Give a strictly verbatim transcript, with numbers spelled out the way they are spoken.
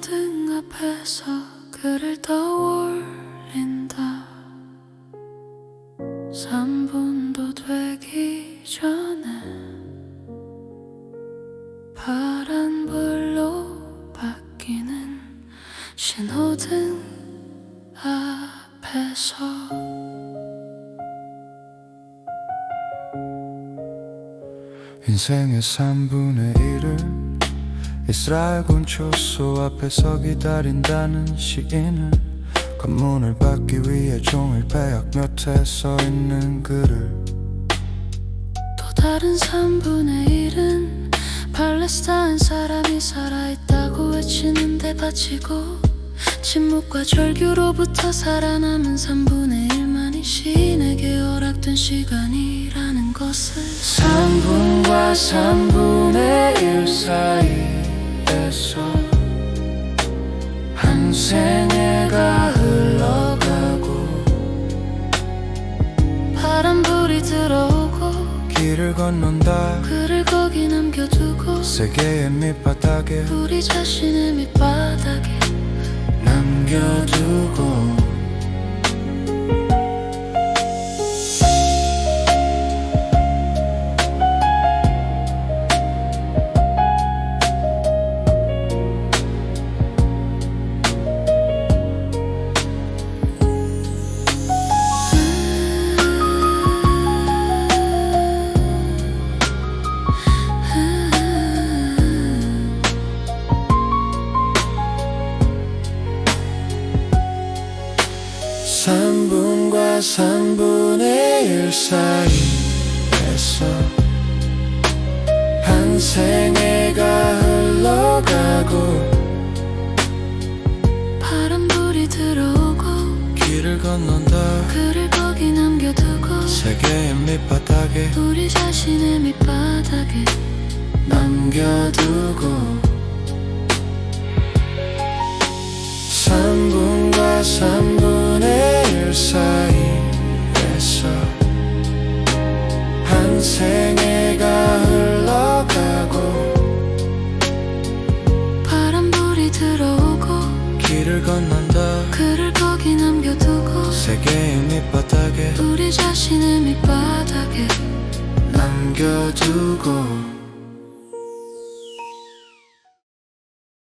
신호등 앞에서 글을 떠올린다. 삼 분도 되기 전에 파란불로 바뀌는 신호등 앞에서 인생의 삼분의 일을 이스라엘군 초소 앞에서 기다린다는 시인은 검문을 받기 위해 종일 배역 몇에 써있는 글을, 또 다른 삼분의 일은 팔레스타인 사람이 살아있다고 외치는데 바치고, 침묵과 절규로부터 살아남은 삼분의 일만이 시인에게 허락된 시간이라는 것을. 삼분과 삼분의 일 사이에서 한 생애가 흘러가고, 파란불이 들어오고 길을 건넌다. 글을 거기 남겨두고 세계의 밑바닥에 우리 자신의 밑바닥에 남겨두고. 삼분과 삼분의 일 사이에서 한 생애가 흘러가고, 파란불이 들어오고 길을 건넌다. 글을 거기 남겨두고 세계의 밑바닥에 우리 자신의 밑바닥에 남겨두고. 삼분과 삼분의 일 사이에서 한 생애가 흘러가고, 파란불이 들어오고 길을 건넌다. 글을 거기 남겨두고 세계의 밑바닥에 우리 자신의 밑바닥에 남겨두고.